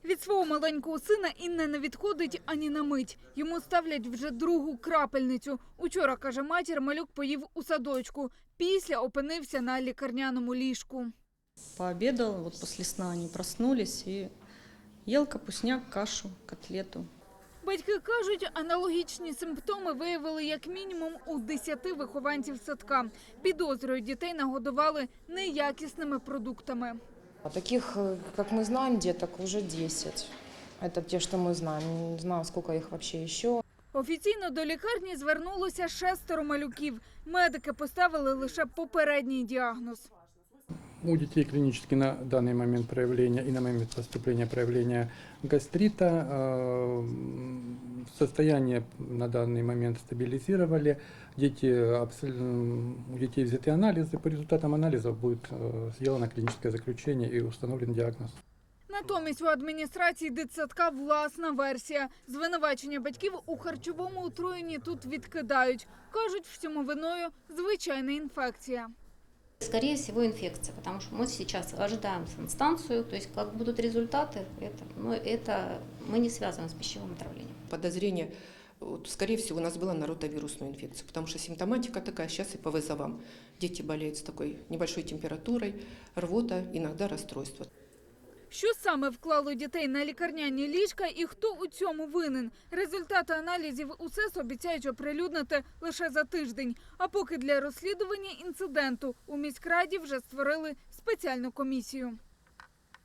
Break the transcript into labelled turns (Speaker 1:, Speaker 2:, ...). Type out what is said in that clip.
Speaker 1: Від свого маленького сина Інна не відходить ані на мить. Йому ставлять вже другу крапельницю. Учора, каже матір, малюк поїв у садочку. Після опинився на лікарняному ліжку.
Speaker 2: Пообедал, вот после сна они проснулись и ел капустняк, кашу, котлету.
Speaker 1: Батьки кажуть, аналогічні симптоми виявили як мінімум у 10 вихованців садка. Підозрюють, дітей нагодували неякісними продуктами.
Speaker 3: А таких, как мы знаем, деток уже 10. Это те, что мы знаем. Не знаю, сколько их вообще еще.
Speaker 1: Офіційно до лікарні звернулося 6 малюків. Медики поставили лише попередній діагноз.
Speaker 4: У детей клинически на данный момент проявления и на момент поступления проявления гастрита. Состояние на данный момент стабилизировали. У детей взяты анализы. По результатам анализов будет сделано клиническое заключение и установлен диагноз.
Speaker 1: Натомість у адміністрації дитсадка власна версія. Звинувачення батьків у харчовому отруєнні тут відкидають. Кажуть, всьому виною звичайна інфекція.
Speaker 5: Скорее всего, инфекция, потому что мы сейчас ожидаем санстанцию, то есть как будут результаты, это мы не связаны с пищевым отравлением.
Speaker 6: Подозрение, скорее всего, у нас было на ротавирусную инфекцию, потому что симптоматика такая сейчас и по вызовам. Дети болеют с такой небольшой температурой, рвота, иногда расстройство.
Speaker 1: Що саме вклало дітей на лікарняні ліжка і хто у цьому винен? Результати аналізів УСЕС обіцяють оприлюднити лише за тиждень. А поки для розслідування інциденту у міськраді вже створили спеціальну комісію.